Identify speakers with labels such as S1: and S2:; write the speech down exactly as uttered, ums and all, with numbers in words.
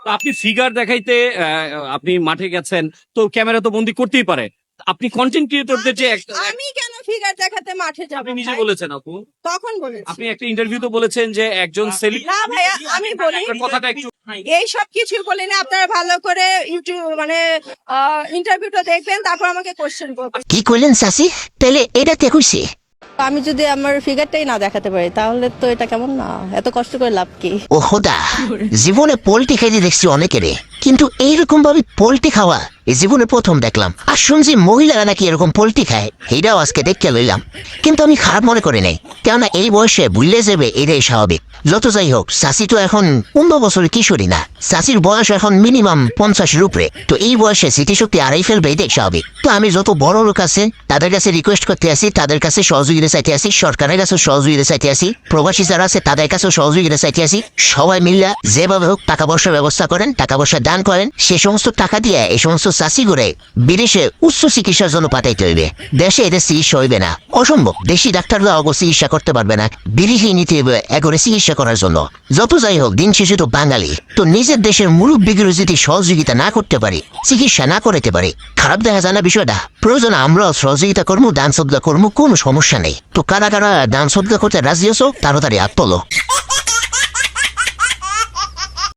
S1: তো আপনি ফিগার দেখাইতে আহ, আপনি মাঠে গেছেন, তো ক্যামেরা তো বন্দি করতেই পারে। আপনি কন্টেন্ট ক্রিয়েটরদের যে একটা
S2: আমি কেন ফিগার দেখাতে মাঠে যাব?
S1: আপনি নিজে বলেছেন আপু,
S2: তখন বলেছি
S1: আপনি একটা ইন্টারভিউতে বলেছেন যে একজন সেলিব্রিটি
S2: না ভাইয়া, আমি বলি
S1: কথাটা একটু
S2: এই সব কিছু বলি না। আপনারা ভালো করে ইউটিউব মানে ইন্টারভিউটা দেখবেন, তারপর আমাকে কোশ্চেন করবেন।
S3: কি করলেন চাচি? তাহলে এটা কে কইছে?
S4: আমি যদি আমার ফিগারটাই না দেখাতে পারি তাহলে তো এটা কেমন না, এত কষ্ট করে লাভ কি?
S3: ও খোদা, জীবনে পোল্ট্রি খাইতে দেখছি অনেকেরে, কিন্তু এইরকম ভাবে পোল্ট্রি খাওয়া এই জীবনে প্রথম দেখলাম। আর শুনছি মহিলারা নাকি এরকম পোল্ট্রি খায়, এটাও আজকে দেখতে লইলাম। কিন্তু আমি খারাপ মনে করি নাই, কেননা এই বয়সে ভুললে যাবে এটাই স্বাভাবিক। যত যাই হোক, চাচি তো এখন পনেরো বছরের কিশোরী না, চাচির বয়স এখন মিনিমাম পঞ্চাশের উপরে। তো এই বয়সে স্মৃতিশক্তি আড়াই ফেলবে এটাই স্বাভাবিক। তো আমি যত বড় লোক আছে তাদের কাছে রিকোয়েস্ট করতে আসি, তাদের কাছে সহযোগিতা চাইতে আসি, সরকারের কাছে সহযোগিতা চাইতে আসি, প্রবাসী যারা আছে তাদের কাছেও সহযোগিতা চাইতে আসি। সবাই মিল্লা যেভাবে হোক টাকা পয়সার ব্যবস্থা করেন, টাকা পয়সা দান করেন। সে সমস্ত টাকা দিয়ে এই সমস্ত চাষি করে বিদেশে উচ্চ চিকিৎসার জন্য পাঠাইতে হইবে। দেশে এদের চিকিৎসা হইবে না, অসম্ভব। দেশি ডাক্তাররা অগ চিকিৎসা করতে পারবে না, বিদেশি নিতে হইবে এগরে চিকিৎসা করার জন্য। যত যাই হোক, দিন শেষে তো বাঙালি, তো নিজের দেশের মুরব্বীগুলো যদি সহযোগিতা না করতে পারি, চিকিৎসা না করাতে পারি, খারাপ দেখা যায় না বিষয়টা? প্রয়োজন আমরাও সহযোগিতা করবো, দান সদ্গা করবো, কোনো সমস্যা নেই। তো কারা কারা দান সদ্গা করতে রাজি আছো তাড়াতাড়ি হাত তোলো।